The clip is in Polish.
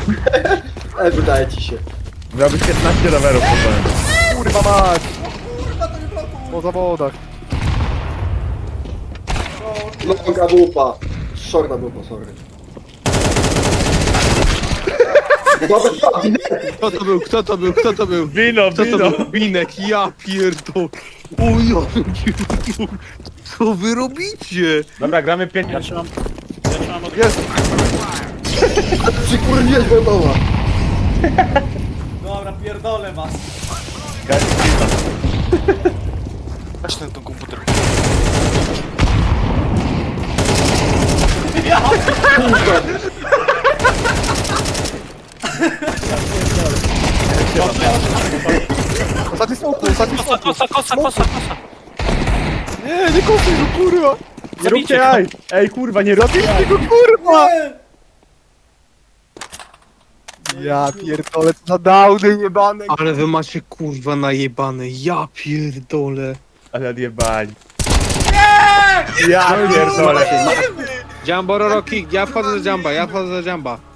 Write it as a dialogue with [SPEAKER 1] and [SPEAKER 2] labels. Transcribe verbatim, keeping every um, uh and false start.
[SPEAKER 1] Ale wydaje ci się.
[SPEAKER 2] Miałbyś piętnaście rowerów potem.
[SPEAKER 3] Kurwa mać!
[SPEAKER 4] Kurwa, to nie blokuj!
[SPEAKER 3] Po zawodach.
[SPEAKER 1] Longa wupa. Shorta wupa, sorry. Dobra,
[SPEAKER 5] Kto to był, kto to był, kto to był?
[SPEAKER 2] Wino,
[SPEAKER 5] Kto to
[SPEAKER 2] wino!
[SPEAKER 5] był? Binek, ja pierdol. O ja pierdol. Co wy robicie?
[SPEAKER 2] Dobra, gramy pięć.
[SPEAKER 6] Ja trzymam... Ja trzymam od...
[SPEAKER 3] Jest!
[SPEAKER 1] przykurwiłeś gotowa.
[SPEAKER 4] Dobra, pierdolę was.
[SPEAKER 3] Weź ten, ten komputer. Ostatni smoku, ostatni
[SPEAKER 6] Kosa,
[SPEAKER 3] smoku.
[SPEAKER 6] kosa, kosa, kosa, kosa.
[SPEAKER 3] Nie, nie kopię go, kurwa!
[SPEAKER 2] Nie róbcie jaj! Ej, kurwa, nie róbcie jaj!
[SPEAKER 3] Tego kurwa!
[SPEAKER 4] Nie!
[SPEAKER 3] Ja pierdolę, co za downy jebane.
[SPEAKER 5] Ale wy macie kurwa najebane, ja pierdolę.
[SPEAKER 2] Ale odjebali. Ja pierdolę.
[SPEAKER 5] Jumbo Roroki, ja wchodzę do Jamba, ja wchodzę do Jamba.